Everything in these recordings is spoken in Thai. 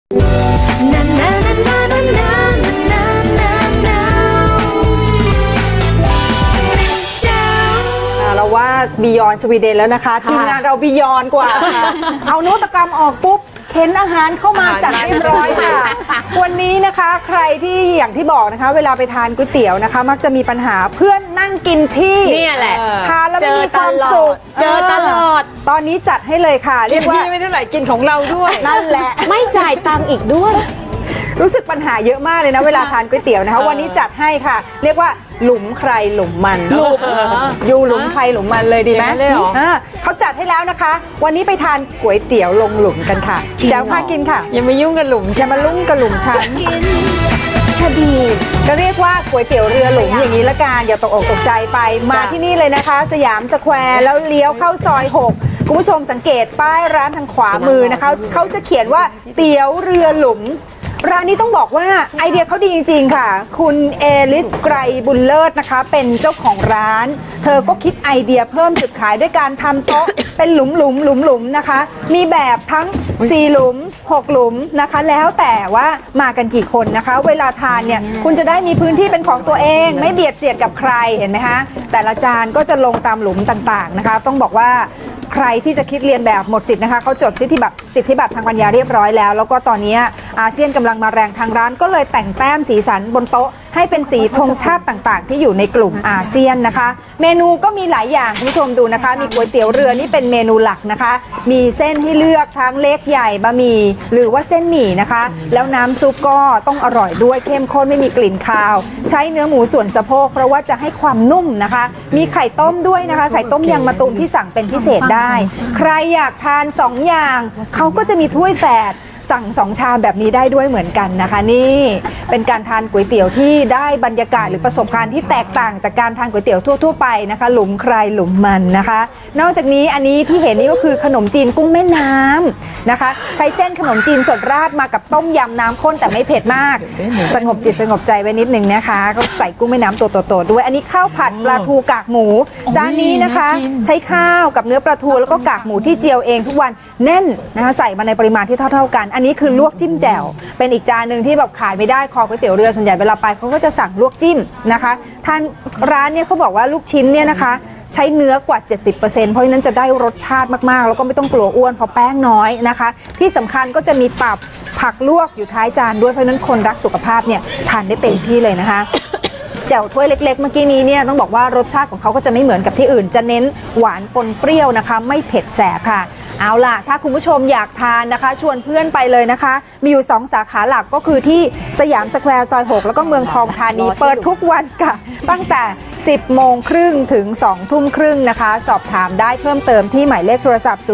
เราว่าบียอนสวีเดนแล้วนะคะทีมงานเราบียอนกว่าเอานวัตกรรมออกปุ๊บเข็นอาหารเข้ามาจัดเรียบร้อยค่ะวันนี้นะคะใครที่อย่างที่บอกนะคะเวลาไปทานก๋วยเตี๋ยวนะคะมักจะมีปัญหาเพื่อนนั่งกินที่นี่แหละทานแล้วไม่มีความสุขเจอตลอดตอนนี้จัดให้เลยค่ะเรียกว่าไม่เท่าไหร่กินของเราด้วยนั่นแหละไม่จ่ายตังค์อีกด้วยรู้สึกปัญหาเยอะมากเลยนะเวลาทานก๋วยเตี๋ยวนะคะวันนี้จัดให้ค่ะเรียกว่าหลุมใครหลุมมันอยู่หลุมใครหลุมมันเลยดีไหมเขาจัดให้แล้วนะคะวันนี้ไปทานก๋วยเตี๋ยวลงหลุมกันค่ะแจ๋วพากินค่ะอย่ามายุ่งกับหลุมอย่ามาลุ่งกับหลุมฉันชะดีก็เรียกว่าก๋วยเตี๋ยวเรือหลุมอย่างนี้ละกันอย่าตกอกตกใจไปมาที่นี่เลยนะคะสยามสแควร์แล้วเลี้ยวเข้าซอย6คุณผู้ชมสังเกตป้ายร้านทางขวามือนะคะเขาจะเขียนว่าเตี๋ยวเรือหลุมร้านนี้ต้องบอกว่าไอเดียเขาดีจริงๆค่ะคุณเอลิสไกรบุญเลิศนะคะเป็นเจ้าของร้านเธอก็คิดไอเดียเพิ่มจุดขายด้วยการทำโต๊ะเป็นหลุมนะคะมีแบบทั้ง4หลุม6หลุมนะคะแล้วแต่ว่ามากันกี่คนนะคะเวลาทานเนี่ยคุณจะได้มีพื้นที่เป็นของตัวเองไม่เบียดเสียดกับใครเห็นไหมคะแต่ละจานก็จะลงตามหลุมต่างๆนะคะต้องบอกว่าใครที่จะคิดเรียนแบบหมดสิทธิ์นะคะเขาจดสิทธิบัตรทางปัญญาเรียบร้อยแล้วก็ตอนนี้อาเซียนกำลังมาแรงทางร้านก็เลยแต่งแต้มสีสันบนโต๊ะให้เป็นสีธงชาติต่างๆที่อยู่ในกลุ่มอาเซียนนะคะเมนูก็มีหลายอย่างคุณผู้ชมดูนะคะมีก๋วยเตี๋ยวเรือนี่เป็นเมนูหลักนะคะมีเส้นให้เลือกทั้งเล็กใหญ่บะหมี่หรือว่าเส้นหมี่นะคะแล้วน้ำซุปก็ต้องอร่อยด้วยเข้มข้นไม่มีกลิ่นคาวใช้เนื้อหมูส่วนสะโพกเพราะว่าจะให้ความนุ่มนะคะมีไข่ต้มด้วยนะคะไข่ต้มยางมะตูมที่สั่งเป็นพิเศษได้ใครอยากทาน2อย่างเขาก็จะมีถ้วยแฝดสั่ง2ชามแบบนี้ได้ด้วยเหมือนกันนะคะนี่เป็นการทานก๋วยเตี๋ยวที่ได้บรรยากาศหรือประสบการณ์ที่แตกต่างจากการทานก๋วยเตี๋ยวทั่วไปนะคะหลุมใครหลุมมันนะคะนอกจากนี้อันนี้ที่เห็นนี่ก็คือขนมจีนกุ้งแม่น้ำนะคะใช้เส้นขนมจีนสดราดมากับต้มยำน้ำข้นแต่ไม่เผ็ดมากสงบจิตสงบใจไว้นิดนึงนะคะก็ใส่กุ้งแม่น้ำตัวโตๆด้วยอันนี้ข้าวผัดปลาทูกากหมูจานนี้นะคะใช้ข้าวกับเนื้อปลาทูแล้วก็กากหมูที่เจียวเองทุกวันแน่นนะคะใส่มาในปริมาณที่เท่ากันอันนี้คือลวกจิ้มแจ่วเป็นอีกจานหนึ่งที่แบบขายไม่ได้คอก๋วยเตี๋ยวเรือส่วนใหญ่เวลาไปเขาก็จะสั่งลวกจิ้มนะคะทานร้านเนี่ยเขาบอกว่าลูกชิ้นเนี่ยนะคะใช้เนื้อกว่า 70% เพราะฉะนั้นจะได้รสชาติมากๆแล้วก็ไม่ต้องกลัวอ้วนเพราะแป้งน้อยนะคะที่สำคัญก็จะมีตับผักลวกอยู่ท้ายจานด้วยเพราะฉะนั้นคนรักสุขภาพเนี่ยทานได้เต็มที่เลยนะคะแจ่วถ้วยเล็กๆเมื่อกี้นี้เนี่ยต้องบอกว่ารสชาติของเขาก็จะไม่เหมือนกับที่อื่นจะเน้นหวานปนเปรี้ยวนะคะไม่เผ็ดแสบค่ะเอาล่ะถ้าคุณผู้ชมอยากทานนะคะชวนเพื่อนไปเลยนะคะมีอยู่2สาขาหลักก็คือที่สยามสแควร์ซอย6แล้วก็เมืองทองธานีเปิดทุกวันค่ะตั้งแต่10 โมงครึ่งถึง2 ทุ่มครึ่งนะคะสอบถามได้เพิ่มเติมที่หมายเลขโทรศัพท์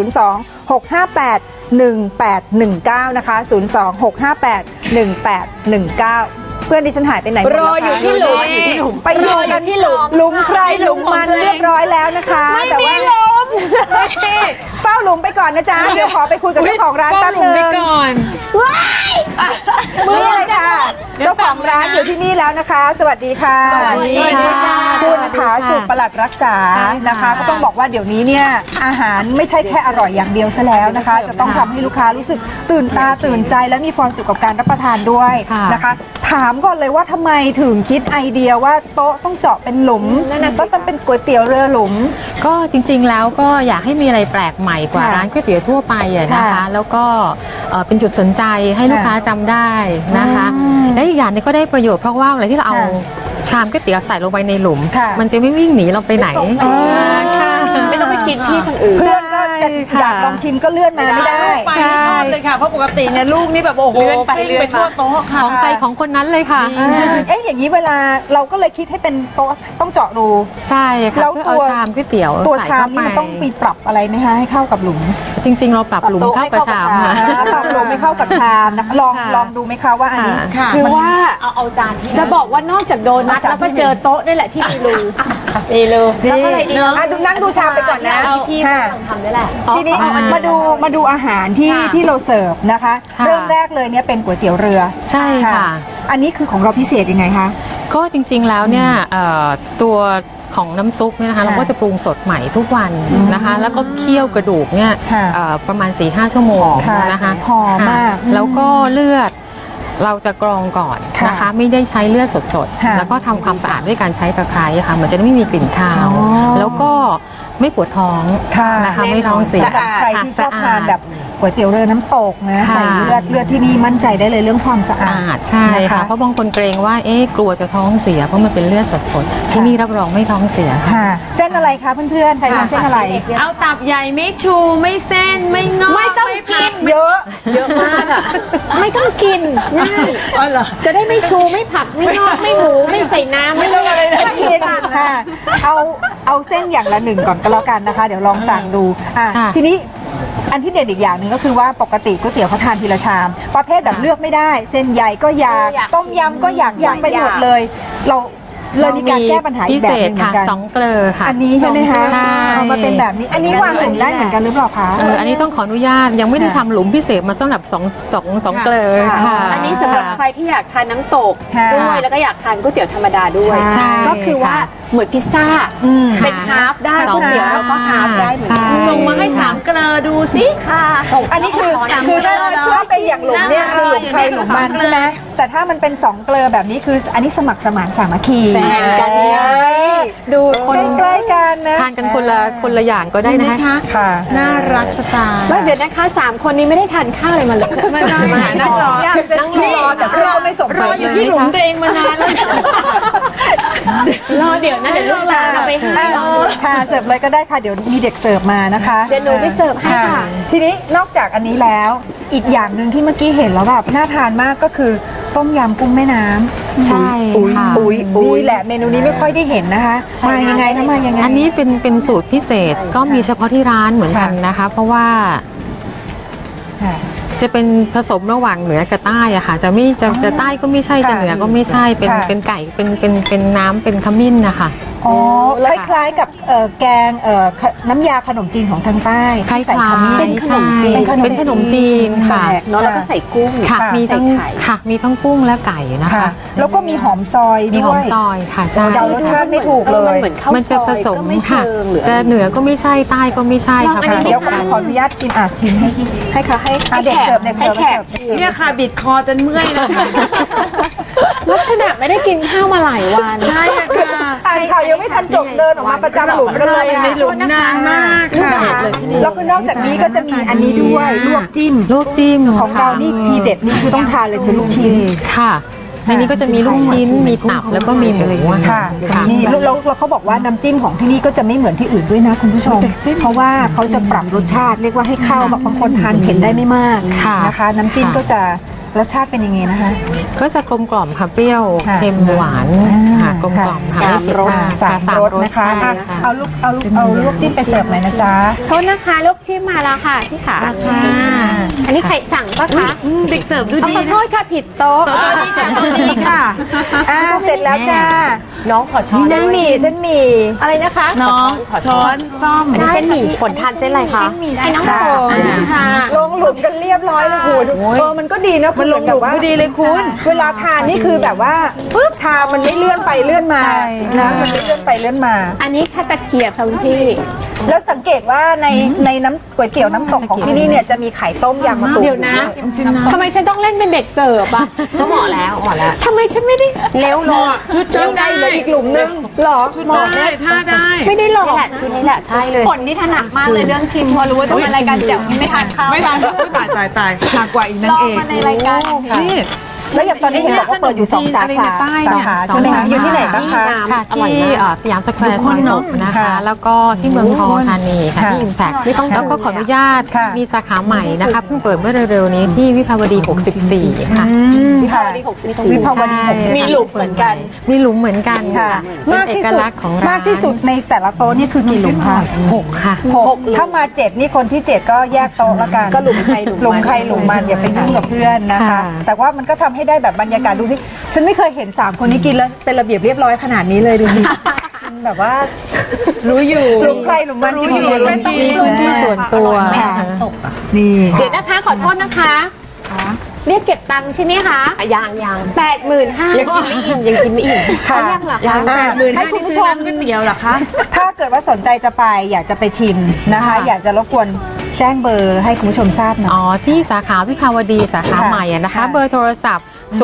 02-658-1819นะคะ02-658-1819เพื่อนดิฉันหายไปไหนรออยู่ที่หลุมไปรอกันที่หลุมใครหลุมมันเรียบร้อยแล้วนะคะแต่ว่าเฝ้าหลุมไปก่อนนะจ๊ะเดี๋ยวขอไปคุยกับเจ้าของร้านแป๊บนึงไปก่อนนี่เลยค่ะเจ้าของร้านอยู่ที่นี่แล้วนะคะสวัสดีค่ะคุณผาสุขปลัดรักษานะคะก็ต้องบอกว่าเดี๋ยวนี้เนี่ยอาหารไม่ใช่แค่อร่อยอย่างเดียวซะแล้วนะคะจะต้องทำให้ลูกค้ารู้สึกตื่นตาตื่นใจและมีความสุขกับการรับประทานด้วยนะคะถามก่อนเลยว่าทำไมถึงคิดไอเดียว่าโต๊ะต้องเจาะเป็นหลุมแล้วต้องเป็นก๋วยเตี๋ยวเรือหลุมก็จริงๆแล้วก็อยากให้มีอะไรแปลกใหม่กว่าร้านก๋วยเตี๋ยวทั่วไปนะคะแล้วก็เป็นจุดสนใจให้ลูกค้าจำได้นะคะและอีกอย่างนึงก็ได้ประโยชน์เพราะว่าเวลาที่เราเอาชามก๋วยเตี๋ยวใส่ลงไปในหลุมมันจะไม่วิ่งหนีเราไปไหนไม่ต้องไปกินที่คนอื่นเพื่อนก็จะอยากลองชิมก็เลื่อนมาไม่ได้ไปไม่ชอบเลยค่ะเพราะปกติเนี่ยลูกนี่แบบโอ้โหเลื่อนไปทั่วโต๊ะค่ะของใครของคนนั้นเลยค่ะอย่างนี้เวลาเราก็เลยคิดให้เป็นโต๊ะต้องเจาะรูใช่ค่ะแล้วตัวชามก๋วยเตี๋ยวตัวชามนี่มันต้องมีปรับอะไรไหมคะให้เข้ากับหลุมจริงๆเราปรับหลุมเข้ากับชามปรับหลุมไม่เข้ากับชามนะลองดูไหมคะว่าอันนี้คือว่าเอาจานที่จะบอกว่านอกจากโดนัทแล้วก็เจอโต๊ะนี่แหละที่มีรูแล้วก็อะไรอีกดูนั่งดูชามไปก่อนนะที่ทำได้แหละทีนี้มาดูอาหารที่เราเสิร์ฟนะคะเริ่มแรกเลยเนี่ยเป็นก๋วยเตี๋ยวเรือใช่ค่ะอันนี้คือของเราพิเศษยังไงคะก็จริงๆแล้วเนี่ยตัวของน้ำซุปเนี่ยนะคะค่ะเราก็จะปรุงสดใหม่ทุกวันนะคะ แล้วก็เคี่ยวกระดูกเนี่ยค่ะประมาณ 4-5 ชั่วโมงค่ะนะคะหอมมากค่ะแล้วก็เลือดเราจะกรองก่อนค่ะนะคะ ไม่ได้ใช้เลือดสดค่ะๆแล้วก็ทำความสะอาดด้วยการใช้ตะไคร้ค่ะมันจะได้ไม่มีกลิ่นคาวอ๋อแล้วก็ไม่ปวดท้องค่ะนะคะไม่ท้องเสียสำหรับใครที่ชอบค่ะทานแบบก๋วยเตี๋ยวเรือน้ำตกนะค่ะใส่เลือดที่นี่มั่นใจได้เลยเรื่องความสะอาดใช่นะคะค่ะเพราะบางคนเกรงว่ากลัวจะท้องเสียเพราะมันเป็นเลือดสดๆที่นี่รับรองไม่ท้องเสียค่ะค่ะ เส้นอะไรคะเพื่อนๆใครทานเส้นอะไรเอาตับใหญ่ไม่ชูไม่เส้นไม่งอกไม่ต้องกินเยอะเยอะมากอ่ะ ไม่ต้องกินง่ายอ๋อเหรอจะได้ไม่ชูไม่ผักไม่งอกไม่หมูไม่ใส่น้ำไม่ต้องอะไรเลยไม่กินค่ะเอาเส้นอย่างละหนึ่งก่อนก็แล้วกันนะคะ เดี๋ยวลองสั่งดูอ่ะค่ะทีนี้อันที่เด็ดอีกอย่างหนึ่งก็คือว่าปกติก๋วยเตี๋ยวเขาทานทีละชาม ประเภทแบบเลือกไม่ได้ เส้นใหญ่ก็อยากต้มยำก็อยากไปหมดเลย เราเลยมีการแก้ปัญหาอีกแบบหนึงเหมืค่ะอนกัน 2 เกลอค่ะอันนี้ใช่ไหมคะใช่เอามาเป็นแบบนี้ อันนี้วางหลุมได้เหมือนกันหรือเปล่าคะอันนี้ต้องขออนุญาตยังไม่ได้ทำหลุมพิเศษมาสำหรับ2เกลอค่ะอันนี้สำหรับใครที่อยากทานน้ำตกค่ะด้วยแล้วก็อยากทานก๋วยเตี๋ยวธรรมดาด้วยใช่ก็คือว่าค่ะเหมือนพิซซ่าอืมเป็นฮาล์ฟได้สองก๋วยเตี๋ยวแล้วก็ฮาล์ฟได้เหมือนกันใช่ส่งมาให้3เกลอดูสิค่ะอันนี้คือถ้าเป็นอย่างหลุมเนี่ยคือหลุมใครหลุมมันใช่ไหมแต่ถ้ามันเป็น2 เกลอแบบนี้คืออันนี้สมัครสมานสามัคคีแฟนกันดูใกล้ๆกันนะทานกันคนละอย่างก็ได้นะคะค่ะน่ารักสไตล์แล้วเดี๋ยวนะคะ3คนนี้ไม่ได้ทานข้าวอะไรมาเลยไม่ได้นั่งรออยากจะชิมรอแต่เพื่อนก็ไม่ส่งรออยู่ที่หลุมตัวเองมานานแล้วรอเดี๋ยวนะเดี๋ยวลูกหลานเอาไปให้ค่ะเสิร์ฟเลยก็ได้ค่ะเดี๋ยวมีเด็กเสิร์ฟมานะคะเดี๋ยวหนูไปเสิร์ฟให้ค่ะทีนี้นอกจากอันนี้แล้วอีกอย่างหนึ่งที่เมื่อกี้เห็นแล้วแบบน่าทานมากก็คือต้มยำกุ้งแม่น้ำใช่ค่ะนี่แหละเมนูนี้ไม่ค่อยได้เห็นนะคะมายังไงนะมายังไงอันนี้เป็นสูตรพิเศษก็มีเฉพาะที่ร้านเหมือนกันนะคะ เพราะว่าค่ะจะเป็นผสมระหว่างเหนือกับใต้อะค่ะจะใต้ก็ไม่ใช่จะเหนือก็ไม่ใช่เป็นไก่เป็นน้ำเป็นขมิ้นนะคะอ๋อคล้ายๆกับแกงน้ำยาขนมจีนของทางใต้คล้ายที่ใส่ขมิ้นเป็นขนมจีนเป็นขนมจีนค่ะเนาะแล้วก็ใส่กุ้งค่ะมีทั้งใส่ไข่ค่ะมีทั้งกุ้งและไก่นะค่ะคะแล้วก็มีหอมซอยมีหอมด้วยซอยค่ะใช่เดารสชาติไม่ถูกเลมันยเหมือนข้าวมันซจะอยผสมก็ไม่ค่ะเชิงหรือจะเหนือก็ไม่ใช่ใต้ก็ไม่ใช่ค่ะลองอันนี้ผสมเดี๋ยวกันขออนุญาตชิมชิมให้ให้ค่ะให้เด็กเสิร์ฟเด็กเสิร์ฟให้แขกชิมเนี่ยค่ะบิดคอจนเมื่อยนะคะลักษณะไม่ได้กินข้าวมาหลายวันใช่ค่ะอ่านข่าวยังไม่ทันจบเดินออกมาประจำหลุมกันเลยในหลุมนานมากค่ะแล้วก็นอกจากนี้ก็จะมีอันนี้ด้วยลวกจิ้มลูกจิ้มของเรานี่ทีเด็ดนี่คือต้องทานเลยคือลูกชิ้นค่ะในนี้ก็จะมีลูกชิ้นมีตับแล้วก็มีหมูอะค่ะค่ะนี่แล้วเขาบอกว่าน้ำจิ้มของที่นี่ก็จะไม่เหมือนที่อื่นด้วยนะคุณผู้ชม เพราะว่าเขาจะปรับรสชาติเรียกว่าให้เข้าแบบบางคนทานเผ็ดได้ไม่มากค่ะนะคะ น้ำจิ้มก็จะรสชาติเป็นยังไงนะคะก็จะกลมกล่อมค่ะเปรี้ยวค่ะเค็มหวานค่ะกลมกล่อมค่ะสามรสไม่เผ็ดสามรสนะคะใช่อ่ะค่ะเอาลวกจิ้มไปเสิร์ฟหน่อยนะจ๊ะโทษนะคะลูกจิ้มมาแล้วค่ะพี่ขาอันนี้ใครสั่งปะคะเด็กเสิร์ฟดูเอาดีขอนะโทษค่ะผิดโต๊ะตัวนี้ค่ะตัวนี้ค่ะเสร็จแล้วจ้าน้องขอช้อนเส้นหมี่เส้นหมี่อะไรนะคะน้องช้อนซ่อมอันนี้เส้นหมี่ฝนทานเส้นอะไรคะให้น้องฝนค่ะลงหลุมกันเรียบร้อยเลยคุณมันก็ดีนะมันลงหลุมพอดีเลยคุณเวลาทานนี่คือแบบว่าปุ๊บชามันไม่เลื่อนไปเลื่อนมานะมันไม่เลื่อนไปเลื่อนมาอันนี้ค่ะตะเกียบค่ะคุณพี่แล้วสังเกตว่าในน้ำก๋วยเตี๋ยวน้ำตกของที่นี่เนี่ยจะมีไข่ต้มยางมะตูมเดี๋ยวนะทำไมฉันต้องเล่นเป็นเด็กเสิร์ฟอะก็เหมาะแล้วทำไมฉันไม่ได้เร็วลงชุดเจ้าได้เหลืออีกหลุมนึงหรอชุดได้ท่าได้ไม่ได้หลอกชุดนี้แหละใช่เลยฝนนี่ถนัดมากเลยเรื่องชิมพอรู้ว่าต้องมารายการแจ๋วนี่ไม่ทานข้าวไม่ทันตายหนักกว่าอีกนางเอกในรายการนี่แล้วอย่างตอนนี้เห็นบอกว่าเปิดอยู่2 สาขาใต้เนี่ยสาขาใช่ไหมคะอยู่ที่ไหนบ้างคะค่ะที่สยามสแควร์ซอย6นะคะค่ะแล้วก็ที่เมืองทองธานีค่ะค่ะที่อิมแพคแล้วก็ขออนุญาตค่ะมีสาขาใหม่นะคะเพิ่งเปิดเมื่อเร็วๆนี้ที่วิภาวดี 64 ค่ะวิภาวดี64วิภาวดี64 มีหลุมเหมือนกันมีหลุมเหมือนกันค่ะค่ะเป็นมากเอที่กสุดลักษณ์ของร้านมากที่สุดในแต่ละโต๊ะนี่คือกี่หลุมคะ 6 ค่ะ 6ถ้ามา7นี่คนที่ 7 ก็แยกโต๊ะละกันก็หลุมใครหลุมมันหลุมใครหลุมมันอย่าไปยุ่งกับเพื่อนนะคะค่ะแต่ว่ามันก็ทำให้ได้แบบบรรยากาศดูที่ฉันไม่เคยเห็น3คนนี้กินแล้วเป็นระเบียบเรียบร้อยขนาดนี้เลยดูสิแบบว่ารู้อยู่หลุมใครหลุมมันจริงๆรู้อยู่มีพื้นที่ส่วนตัวนี่เดี๋ยวนะคะขอโทษนะคะเรียกเก็บตังค์ใช่ไหมคะยัง85,000ยังกินไม่อิ่มค่ะยังเหรอยัคะงให้คุณผู้ชมก๋วยเตี๋ยวเหรอคะถ้าเกิดว่าสนใจจะไปอยากจะไปชิมนะคะ อยากจะรบกวนแจ้งเบอร์ให้คุณผู้ชมทราบหน่อยอ๋อที่สาขาวิภาวดีสาขาค่ะใหม่อะนะคะค่ะเบอร์โทรศัพท์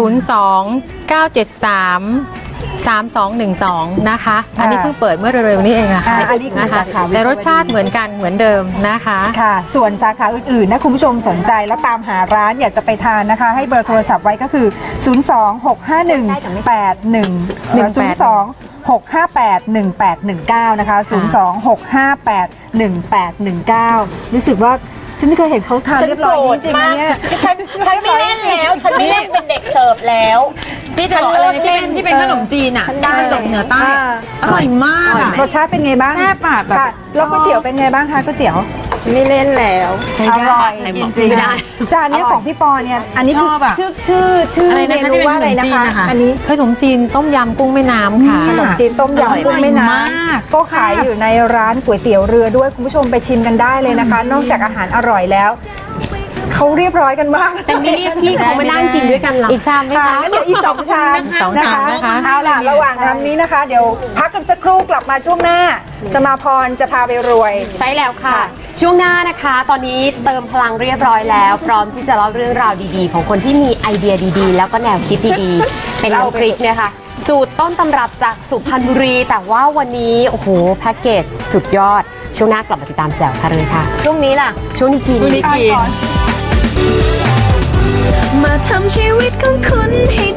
02-973-3212 นะคะ อันนี้เพิ่งเปิดเมื่อเร็วๆนี้เองอะค่ะอันนี้คือนะคะสาขาวิภาวดีแต่รสชาติเหมือนกันเหมือนเดิมนะคะค่ะ ส่วนสาขาอื่นๆนะคุณผู้ชมสนใจแล้วตามหาร้านอยากจะไปทานนะคะ ให้เบอร์โทรศัพท์ไว้ก็คือ 026518112 นะคะ 026581819 รู้สึกว่าฉันไม่เคยเห็นเขาทานเรียบร้อยจริงๆเนี่ยฉันไม่เล่นแล้ว ฉันไม่เล่นเป็นเด็กเสิร์ฟแล้วพี่จะบอกอะไรที่เป็นขนมจีนอ่ะฉันได้ผสมเหนือใต้อร่อยมากอะรสชาติเป็นไงบ้างแซ่บอะแบบค่ะแล้วก๋วยเตี๋ยวเป็นไงบ้างคะก๋วยเตี๋ยวไม่เล่นแล้วอร่อยจริงๆไม่ได้จานเนี้ยของพี่ปอเนี่ยอันนี้คือชอบอะชื่ออะไรเมนะคะนูว่าอะไรนะที่เป็นขนมจีนคะนะคะอันนี้ขนมจีนต้มยำกุ้งแม่น้ำค่ะขนมจีนต้มยำกุ้งแม่น้มากำก็ขายอยู่ในร้านก๋วยเตี๋ยวเรือด้วยคุณผู้ชมไปชิมกันได้เลยนะคะ นอกจากอาหารอร่อยแล้วเขาเรียบร้อยกันมากแต่นี่พี่เขามานั่งกินด้วยกันเหรออีกชามไหมค่ะคะงั้นเดี๋ยวอีก2 ชามสองชามนะคะเอาล่ะระหว่างทำนี้นะคะ เดี๋ยวพักกันสักครู่กลับมาช่วงหน้า จะมาพรจะพาไปรวยใช่แล้วค่ะ ช่วงหน้านะคะ ตอนนี้เติมพลังเรียบร้อยแล้ว พร้อมที่จะเล่าเรื่องราวดีๆ ของคนที่มีไอเดียดีๆ แล้วก็แนวคิดดีๆ เป็นน้ำพริกเนี่ยค่ะ สูตรต้นตำรับจากสุพรรณบุรี แต่ว่าวันนี้โอ้โหแพ็กเกจสุดยอด ช่วงหน้ากลับมาติดตามแจ๋วค่ะเลยค่ะ ช่วงนี้ล่ะ ช่วงนี้กินช่วงนี้กินมาทำชีวิตของคุณให้